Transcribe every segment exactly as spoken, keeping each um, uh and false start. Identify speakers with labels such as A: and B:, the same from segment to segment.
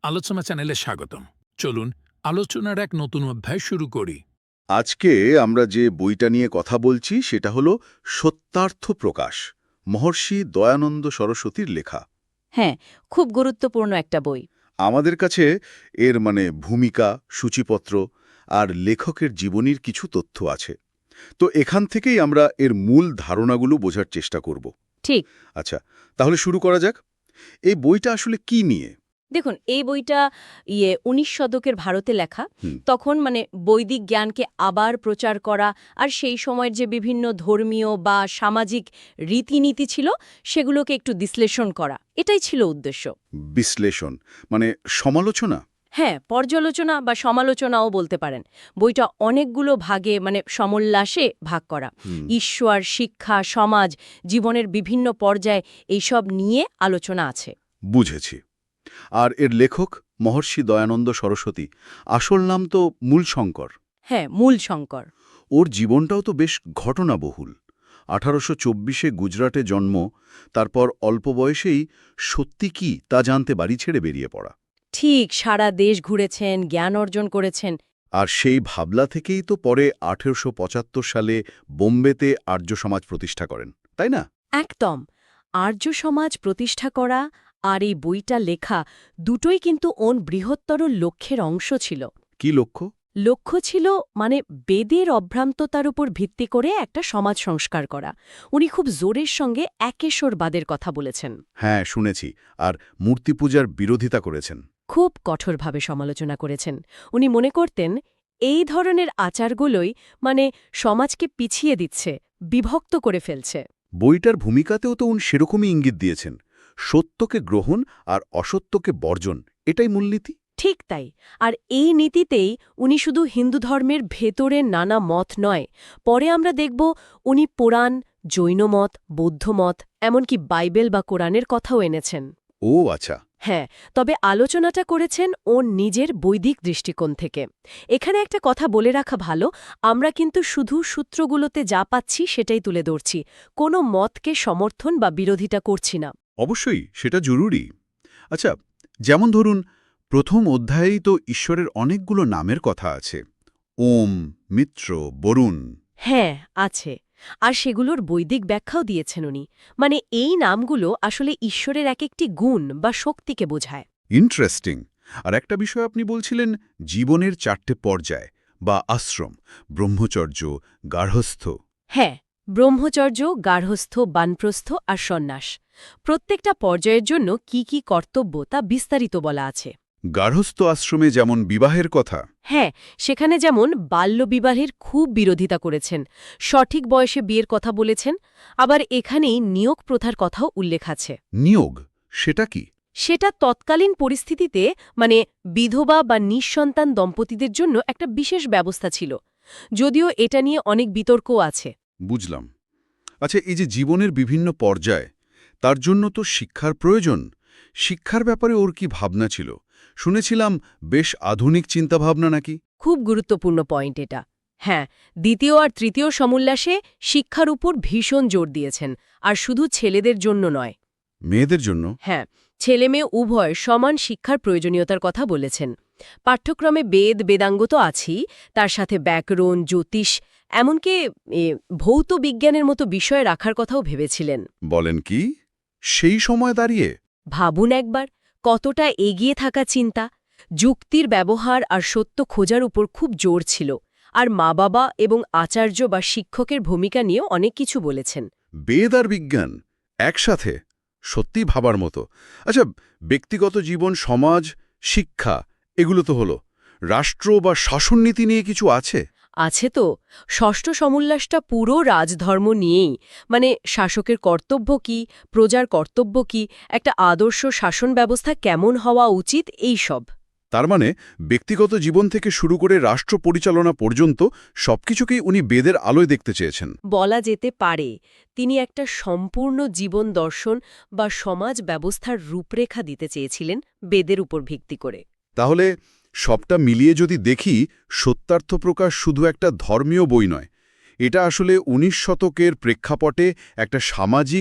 A: আলোচনা চ্যানেলে স্বাগতম। চলুন আলোচনার এক নতুন অধ্যায় শুরু করি।
B: আজকে আমরা যে বইটা নিয়ে কথা বলছি সেটা হলো সত্যার্থ প্রকাশ, মহর্ষি দয়ানন্দ সরস্বতীর লেখা।
C: হ্যাঁ, খুব গুরুত্বপূর্ণ একটা বই।
B: আমাদের কাছে এর মানে ভূমিকা, সূচিপত্র আর লেখকের জীবনীর কিছু তথ্য আছে। তো এখান থেকেই আমরা এর মূল ধারণাগুলো বোঝার চেষ্টা করব।
C: ঠিক।
B: আচ্ছা, তাহলে শুরু করা যাক। এই বইটা আসলে কি নিয়ে?
C: দেখুন, এই বইটা ইয়ে উনিশ শতকের ভারতে লেখা।
B: হুম।
C: তখন মানে বৈদিক জ্ঞানকে আবার প্রচার করা আর সেই সময়ের যে বিভিন্ন ধর্মীয় বা সামাজিক রীতিনীতি ছিল সেগুলোকে একটু বিশ্লেষণ করা, এটাই ছিল উদ্দেশ্য।
B: বিশ্লেষণ মানে সমালোচনা?
C: হ্যাঁ, পর্যালোচনা বা সমালোচনাও বলতে পারেন। বইটা অনেকগুলো ভাগে মানে সমোল্লাসে ভাগ করা।
B: হুম।
C: ঈশ্বর, শিক্ষা, সমাজ, জীবনের বিভিন্ন পর্যায়ে এইসব নিয়ে আলোচনা আছে।
B: বুঝেছি। আর এর লেখক মহর্ষি দয়ানন্দ সরস্বতী, আসল নাম তো মূলশঙ্কর।
C: হ্যাঁ, মূল শঙ্কর।
B: ওর জীবনটাও তো বেশ ঘটনাবহুল। আঠারোশো চব্বিশে গুজরাটে জন্ম, তারপর অল্প বয়সেই সত্যি কি তা জানতে বাড়ি ছেড়ে বেরিয়ে পড়া।
C: ঠিক, সারা দেশ ঘুরেছেন, জ্ঞান অর্জন করেছেন।
B: আর সেই ভাবলা থেকেই তো পরে আঠেরোশো পঁচাত্তর সালে বোম্বেতে আর্য সমাজ প্রতিষ্ঠা করেন, তাই না?
C: একদম। আর্য সমাজ প্রতিষ্ঠা করা আর এই বইটা লেখা দুটোই কিন্তু ওন বৃহত্তর লক্ষ্যের অংশ ছিল।
B: কি লক্ষ্য?
C: লক্ষ্য ছিল মানে বেদের অভ্রান্ততার উপর ভিত্তি করে একটা সমাজ সংস্কার করা। উনি খুব জোরের সঙ্গে একেশ্বরবাদের কথা বলেছেন।
B: হ্যাঁ, শুনেছি। আর মূর্তি পূজার বিরোধিতা করেছেন।
C: খুব কঠোরভাবে সমালোচনা করেছেন। উনি মনে করতেন এই ধরনের আচারগুলোই মানে সমাজকে পিছিয়ে দিচ্ছে, বিভক্ত করে ফেলছে।
B: বইটার ভূমিকাতেও তো উনি সেরকমই ইঙ্গিত দিয়েছেন। সত্যকে গ্রহণ আর অসত্যকে বর্জন, এটাই মূলনীতি।
C: ঠিক তাই। আর এই নীতিতেই উনি শুধু হিন্দু ধর্মের ভেতরে নানা মত নয়, পরে আমরা দেখব উনি পুরাণ, জৈনমত, বৌদ্ধমত, এমনকি বাইবেল বা কোরআনের কথাও এনেছেন।
B: ও আচ্ছা।
C: হ্যাঁ, তবে আলোচনাটা করেছেন ওর নিজের বৈদিক দৃষ্টিকোণ থেকে। এখানে একটা কথা বলে রাখা ভালো, আমরা কিন্তু শুধু সূত্রগুলোতে যা পাচ্ছি সেটাই তুলে ধরছি, কোনো মতকে সমর্থন বা বিরোধিতা করছি না।
B: অবশ্যই, সেটা জরুরি। আচ্ছা, যেমন ধরুন, প্রথম অধ্যায়েই তো ঈশ্বরের অনেকগুলো নামের কথা আছে। ওম, মিত্র, বরুণ।
C: হ্যাঁ, আছে। আর সেগুলোর বৈদিক ব্যাখ্যাও দিয়েছেন উনি। মানে এই নামগুলো আসলে ঈশ্বরের এক একটি গুণ বা শক্তিকে বোঝায়।
B: ইন্টারেস্টিং। আর একটা বিষয় আপনি বলছিলেন, জীবনের চারটে পর্যায় বা আশ্রম, ব্রহ্মচর্য, গার্হস্থ।
C: হ্যাঁ, ব্রহ্মচর্য, গার্হস্থ, বানপ্রস্থ আর সন্ন্যাস। প্রত্যেকটা পর্যায়ের জন্য কি কি কর্তব্য তা বিস্তারিত বলা আছে।
B: গার্হস্থ আশ্রমে যেমন বিবাহের কথা।
C: হ্যাঁ, সেখানে যেমন বাল্যবিবাহের খুব বিরোধিতা করেছেন, সঠিক বয়সে বিয়ের কথা বলেছেন, আবার এখানেই নিয়োগ প্রথার কথাও উল্লেখ আছে।
B: নিয়োগ, সেটা কি?
C: সেটা তৎকালীন পরিস্থিতিতে মানে বিধবা বা নিঃসন্তান দম্পতিদের জন্য একটা বিশেষ ব্যবস্থা ছিল, যদিও এটা নিয়ে অনেক বিতর্কও আছে।
B: বুঝলাম। আচ্ছা, এই যে জীবনের বিভিন্ন পর্যায়, তার জন্য তো শিক্ষার প্রয়োজন। শিক্ষার ব্যাপারে ওর কি ভাবনা ছিল? শুনেছিলাম বেশ আধুনিক চিন্তাভাবনা নাকি।
C: খুব গুরুত্বপূর্ণ পয়েন্ট এটা। হ্যাঁ, দ্বিতীয় আর তৃতীয় সমুল্লাসে শিক্ষার উপর ভীষণ জোর দিয়েছেন, আর শুধু ছেলেদের জন্য নয়।
B: মেয়েদের জন্য?
C: হ্যাঁ, ছেলেমেয়ে উভয় সমান শিক্ষার প্রয়োজনীয়তার কথা বলেছেন। পাঠ্যক্রমে বেদ, বেদাঙ্গ তো আছেই, তার সাথে ব্যাকরণ, জ্যোতিষ, এমনকি এ, ভৌত বিজ্ঞানের মতো বিষয় রাখার কথাও ভেবেছিলেন।
B: বলেন কি? সেই সময় দাঁড়িয়ে?
C: ভাবুন একবার, কতটা এগিয়ে থাকা চিন্তা। যুক্তির ব্যবহার আর সত্য খোঁজার উপর খুব জোর ছিল। আর মা বাবা এবং আচার্য বা শিক্ষকের ভূমিকা নিয়ে অনেক কিছু বলেছেন।
B: বেদ আর বিজ্ঞান একসাথে, সত্যি ভাবার মতো। আচ্ছা, ব্যক্তিগত জীবন, সমাজ, শিক্ষা, এগুলো তো হলো। রাষ্ট্র বা শাসননীতি নিয়ে কিছু আছে?
C: আছে তো। ষষ্ঠ সমুল্লাসটা পুরো রাজধর্ম নিয়েই, মানে শাসকের কর্তব্য কি, প্রজার কর্তব্য কি, একটা আদর্শ শাসন ব্যবস্থা কেমন হওয়া উচিত, এই সব।
B: তার মানে ব্যক্তিগত জীবন থেকে শুরু করে রাষ্ট্র পরিচালনা পর্যন্ত সবকিছুকেই উনি বেদের আলোয় দেখতে চেয়েছেন।
C: বলা যেতে পারে তিনি একটা সম্পূর্ণ জীবন দর্শন বা সমাজ ব্যবস্থার রূপরেখা দিতে চেয়েছিলেন বেদের উপর ভিত্তি করে।
B: তাহলে সবটা মিলিয়ে যদি দেখি, সত্যার্থ প্রকাশ শুধু একটা ধর্মীয় বই নয়, এটা আসলে উনিশ শতকের প্রেক্ষাপটে একটা সামাজিক,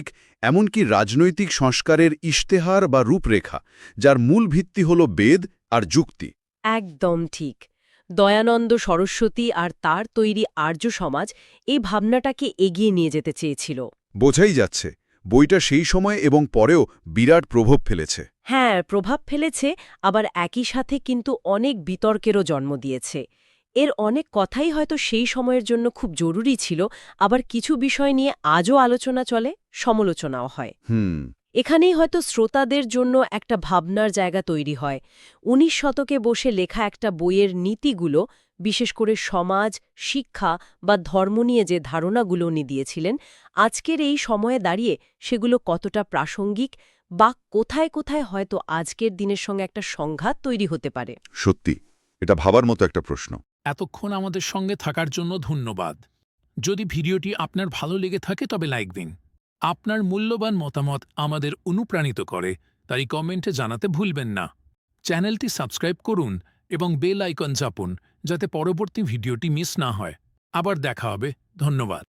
B: এমনকি রাজনৈতিক সংস্কারের ইশতেহার বা রূপরেখা, যার মূল ভিত্তি হল বেদ আর যুক্তি।
C: একদম ঠিক। দয়ানন্দ সরস্বতী আর তার তৈরি আর্য সমাজ এই ভাবনাটাকে এগিয়ে নিয়ে যেতে চেয়েছিল।
B: বোঝাই যাচ্ছে বইটা সেই সময় এবং পরেও বিরাট প্রভাব ফেলেছে।
C: হ্যাঁ, প্রভাব ফেলেছে, আবার একই সাথে কিন্তু অনেক বিতর্কেরও জন্ম দিয়েছে। এর অনেক কথাই হয়তো সেই সময়ের জন্য খুব জরুরি ছিল, আবার কিছু বিষয় নিয়ে আজও আলোচনা চলে, সমালোচনাও হয়।
B: হুম
C: এখানেই হয়তো শ্রোতাদের জন্য একটা ভাবনার জায়গা তৈরি হয়। উনিশ শতকে বসে লেখা একটা বইয়ের নীতিগুলো, বিশেষ করে সমাজ, শিক্ষা বা ধর্ম নিয়ে যে ধারণাগুলো উনি দিয়েছিলেন, আজকের এই সময়ে দাঁড়িয়ে সেগুলো কতটা প্রাসঙ্গিক বা কোথায় কোথায় হয়তো আজকের দিনের সঙ্গে একটা সংঘাত তৈরি হতে পারে।
B: সত্যি, এটা ভাবার মতো একটা প্রশ্ন।
A: এতক্ষণ আমাদের সঙ্গে থাকার জন্য ধন্যবাদ। যদি ভিডিওটি আপনার ভালো লেগে থাকে তবে লাইক দিন। আপনার মূল্যবান মতামত আমাদের অনুপ্রাণিত করে, তাই কমেন্টে জানাতে ভুলবেন না। চ্যানেলটি সাবস্ক্রাইব করুন এবং বেল আইকন চাপুন, যাতে পরবর্তী ভিডিওটি মিস না হয়। আবার দেখা হবে। ধন্যবাদ।